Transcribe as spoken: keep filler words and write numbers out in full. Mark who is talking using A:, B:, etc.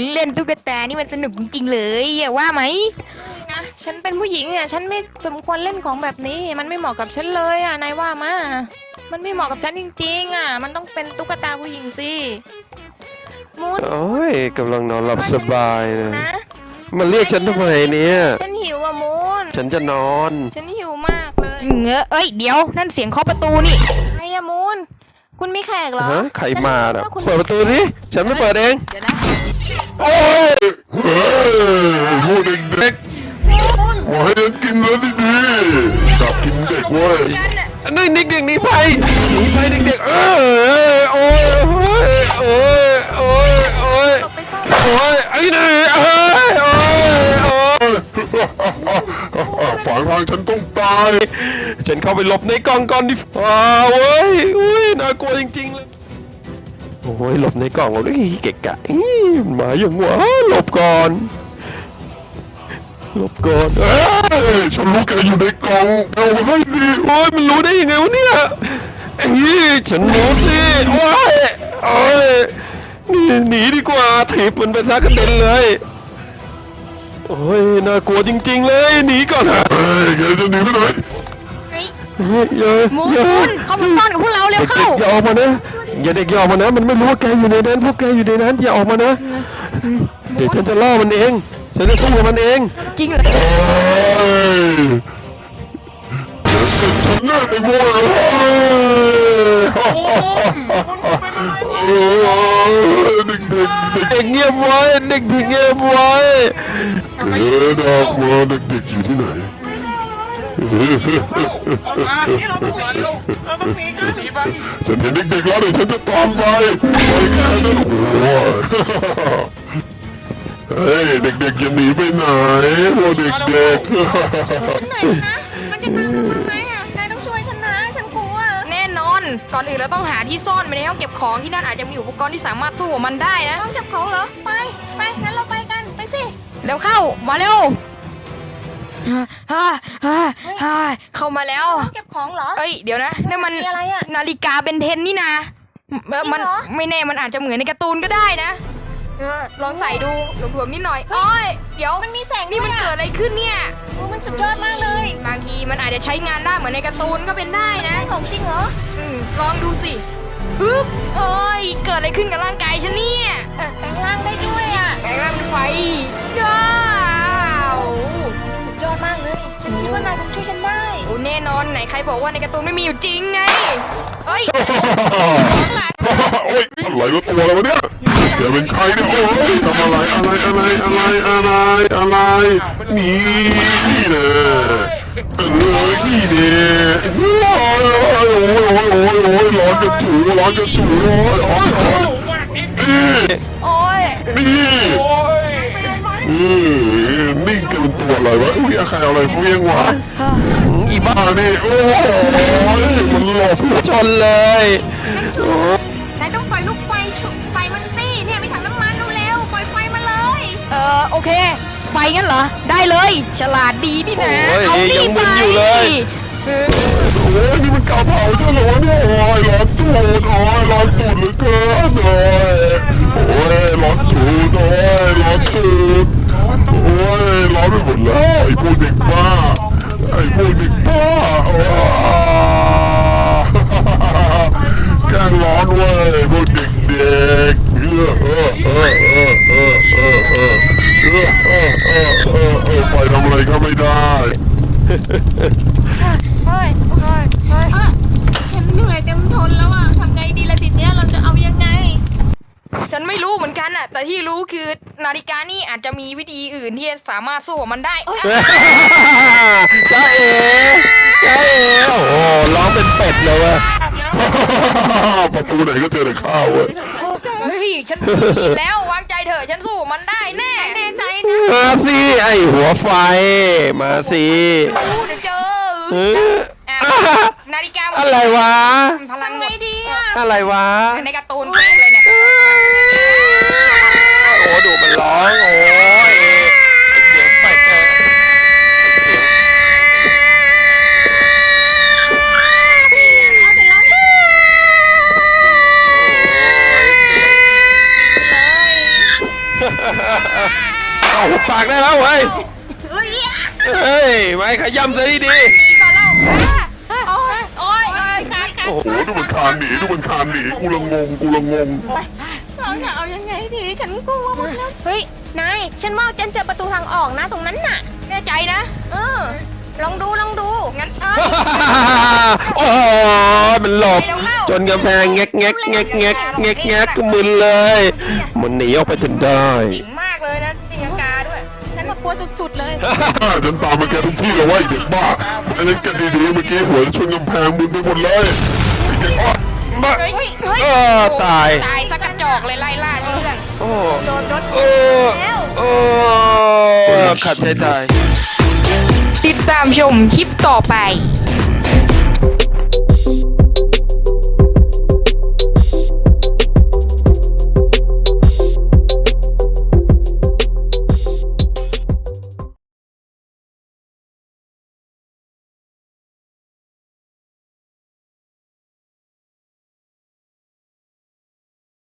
A: เล่นตุ๊กตานี่มันสนุกจริงๆเลยอย่าว่าไหม
B: นะฉันเป็นผู้หญิงอ่ะฉันไม่สมควรเล่นของแบบนี้มันไม่เหมาะกับฉันเลยอ่ะนายว่ามามันไม่เหมาะกับฉันจริงๆอ่ะมันต้องเป็นตุ๊กตาผู้หญิงสิมูน
C: โอ้ยกำลังนอนหลับสบายเลย
B: นะ
C: มาเรียกฉันทำไมเนี่ย
B: ฉันหิวอ่ะมูน
C: ฉันจะนอน
B: ฉันหิวมากเลย
A: เงอะเอ้ยเดี๋ยวนั่นเสียงเคาะประตูนี่
B: ไอ้อะมูนคุณมีแขกเหรอ
C: ฮะใครมาน่ะ
B: ฉันคิดว่าคุณ
C: เปิดประตูสิฉันไม่เปิดเอง
A: เดี๋ยวนะ
C: โอ้ย
D: เฮ้ยพวกเด็กๆมาให้ฉันกินแล้วดีๆจับกินเด็กเว้ย
C: นี่เด็กๆหนีไปหนีไปเด็กๆเออโอ้ยโอ้ยโอ้ยโอ้ยโอ้ย
B: หลบไปซ่อน
C: โอ้ยไอ้นี่เอ้ยโอ้ยโอ้ย
D: ฝังทางฉันต้องตาย
C: ฉันเข้าไปหลบในกล่องก่อนดิฟ้าเว้ยอุ้ยน่ากลัวจริงๆเลยโอ้ยหลบในกล่องเลยเกะกะอี้หมาอย่างวะหลบก่อนหลบก่อนเอ้ย
D: เฮ้ยฉันรู้แกอยู่ในกล่องเอามาให้ดี
C: โอ้ยมันรู้ได้ยังไงวะเนี่ยไอ้นี่ฉันรู้สิโอ้ยโอ้ยหนีหนีดีกว่าถีบมันไปซะกระเด็นเลยโอ้ยน่ากลัวจริงๆเลยหนีก่อนฮะ
D: เฮ้ยแกจะหนีไปไหน
A: เฮ้ย
C: เฮ้ยอย่า
A: มูน
C: อย่า
A: มูนเข้ามาซ่อนกับพวกเราเร็วเข้า
C: เด็กๆอย่าออกมานะอย่าเด็กอย่าออกมานะมันไม่รู้ว่าแกอยู่ในนั้นพวกแกอยู่ในนั้นอย่าออกมานะเดี๋ยวฉันจะล่อมันเองฉันจะสู้กับมันเอง
A: จริงเหรอ
D: เฮ้ยฉันน่าไอ้พวกเฮ้ยเด็กๆเด็ก
C: เด็กเงียบไว้เด็กเงียบไว้
D: ๆเออดอกมาเด็กๆอยู่ที่ไหน ฉันเห็นเด็กๆแล้วเดี๋ยวฉันจะตามไปไปแค่นั้นโอ้ยเฮ้ยเด็กๆอย่าหนีไปไหนพวกเด็ก
B: ไหนนะมันจะตามมาไหมอ่ะนายต้องช่วยฉันนะฉันกลัว
A: แน่นอน ก่อนอื่นเราต้องหาที่ซ่อนไปในห้องเก็บของที่นั่นอาจจะมีอุปกรณ์ที่สามารถสู้กับมันได้นะ
B: ต้องเก็บของเหรอไปไปงั้นเราไปกันไปสิ
A: เร็วเข้ามาเร็วฮ่าฮ่าฮ่าเข้ามาแล้ว
B: ต้องเก็บของเหรอ
A: เอ้ยเดี๋ยวนะนี่นมัน
B: มีอะไรอะ
A: นาฬิกาเบนเทนนี่นะเออมัน
B: จริงเหรอ
A: ไม่แน่มันอาจจะเหมือนในการ์ตูนก็ได้นะเออลองใส่ดูหลวมๆนิดหน่อยโอ้ยเดี๋ยว
B: มันมีแสง
A: นี่มัน
B: ด้วย
A: เกิด
B: อะ
A: อะไรขึ้นเนี่ย
B: โอ้มันสุดยอดมากเลย
A: บางทีมันอาจจะใช้งานได้เหมือนในการ์ตูนก็เป็นได้นะ
B: ใช่ของจริงเหรอ
A: อืมลองดูสิปึ๊บโอ้ยเกิดอะไรขึ้นกับร่างกายฉันเนี่ยเอ่อ
B: แปลงร่างได้ด้วยอ่ะ
A: แปลงร่างเป็นไฟว้าว
B: สุดยอดมากเลย ฉันคิดว่านายคงช่วยฉันได้
A: โอ้แน่นอนไหนใครบอกว่าในการ์ตูนไม่มีอยู่จริงไงเอ้ยข้างหลัง
D: โอ้ยอะไรวะตัวอะไรวะเนี่ยแกเป็นใครเนี่ยโอ้ยทำอะไรอะไรอะไรอะไรอะไรอะไรนี่นี่แน่เออนี่แน่โอ้ยโอ้ยโอ้ยโอ้ยโอ้ยโอ้ยร้อนจะถูร้อนจะถูโอ้ยโอ้ยโอ้ยนี่
A: โอ้ย
D: นี่นี่นิ่งกันเป็นตัวอะไรวะอุ้ยใครเอาอะไรเฟี้ยงวะ
C: อีบ้า
D: บ้านี่โอ้ยมันหลบ
C: ชนเลย
B: นายต้องปล่อยลูกไฟชุไฟมันสิเนี่ยมีถังน้ำมันเร็วๆปล่อยไฟมาเลย
A: เออโอเค ไฟงั้นเหรอ ได้เลย ฉลาดดีนี่นะ
C: โอ้ย
A: เอาดิ
C: ยัง
A: ไป
C: มึนอยู่เลย
A: เออ
D: โอ้ยนี่มันกาเผาใช่เหรอเนี่ยโอ้ยร้อนตูดโอ้ยร้อนตูดเหลือเกินโอ้ยโอ้ยร้อนตูดโอ้ยร้อนตูดโอ้ยร้อนไปหมดแล้วไอ้พวกเด็กบ้าไอ้พวกเด็กบ้าโอ้ยแกล้งร้อนเว้ยพวกเด็กเด็กเออเออเออเออเออเออเออเออเออเออเออเออไปทำอะไรก็ไม่ได้
A: เฮ้ยเฮ้ยเฮ้ย
B: อ่ะฉันเหนื่อยเต็มทนแล้วอ่ะทำไงดีล่ะทีเนี้ยเราจะเอายังไง
A: ฉันไม่รู้เหมือนกันอะแต่ที่รู้คือนาฬิกานี่อาจจะมีวิธีอื่นที่จะสามารถสู้กับมันได้อ่ะ
C: จ้าเอ๋จ้าเอ๋โอ้โหร้องเป็นเป็ดเลยเว้ย
D: ประตูไหนก็เจอแต่ข้าวเว้ย
A: เฮ้ยฉันมีแล้ววางใจเถอะฉันสู้กับมันได้แน่
B: แน่ใจนะ
C: มาสิไอหัวไฟมาสิ
A: รู้เดี๋ยวเจอ
C: เออ
A: อ่ะนาฬิกา
C: อะไรวะ
A: พลัง
B: ทำไงดีอ่ะ
C: อะไรวะ
A: ในการ์ตูนเป๊ะเลยเนี่ย
C: โอ้ดูมันร้องโอ้ยไอ้เสียงเป็ดเนี่ย
B: เอาเสร็จแล้วเนี่ยเลย
C: เอาหุบปากได้แล้วเว้ย
B: เฮ้ย
C: เฮ้ยไม่ขย้ำซะดี
A: หนีก่อนเล่าอ่ะโอ้ยโอ้ยโอ้ยการการ
C: ๆโอ้โห
D: โอ้ดูมันคานหนีดูมันคานหนีกูละงงกูละงง
B: เราจะเอายังไงดี ฉันกลัวหมดแล้ว เฮ้ย นาย ฉันว่าฉันเจอประตูทางออกนะตรงนั้นน่ะ
A: แน่ใจนะ
B: เออ ลองดู ลองดู
A: งั้นเออ
C: โอ้ยมันหลบ จนกำแพงแงกแงกแงกแงกแงกแงกมึนเลย มันหนีออกไปจนได้
A: เจ๋งมากเลยนะตีลังกาด้วย
B: ฉันมากลัวสุดๆเลย
D: ฉันตามมาแกทุกที่เลยว่าไอ้เด็กบ้าไอ้เล่นกันดีๆเมื่อกี้หัวชนกำแพงมึนไปหมดเลยไอ้เด็กอ้อ
C: มา
A: เฮ้ยเฮ้ย
C: เออตาย
A: ตายสักกระจอกเลยไล่ล่าเพื่อน
C: โอ้
B: โดนรถ
C: โอ้โอ้ขัดใจตาย
A: ติดตามชมคลิปต่อไป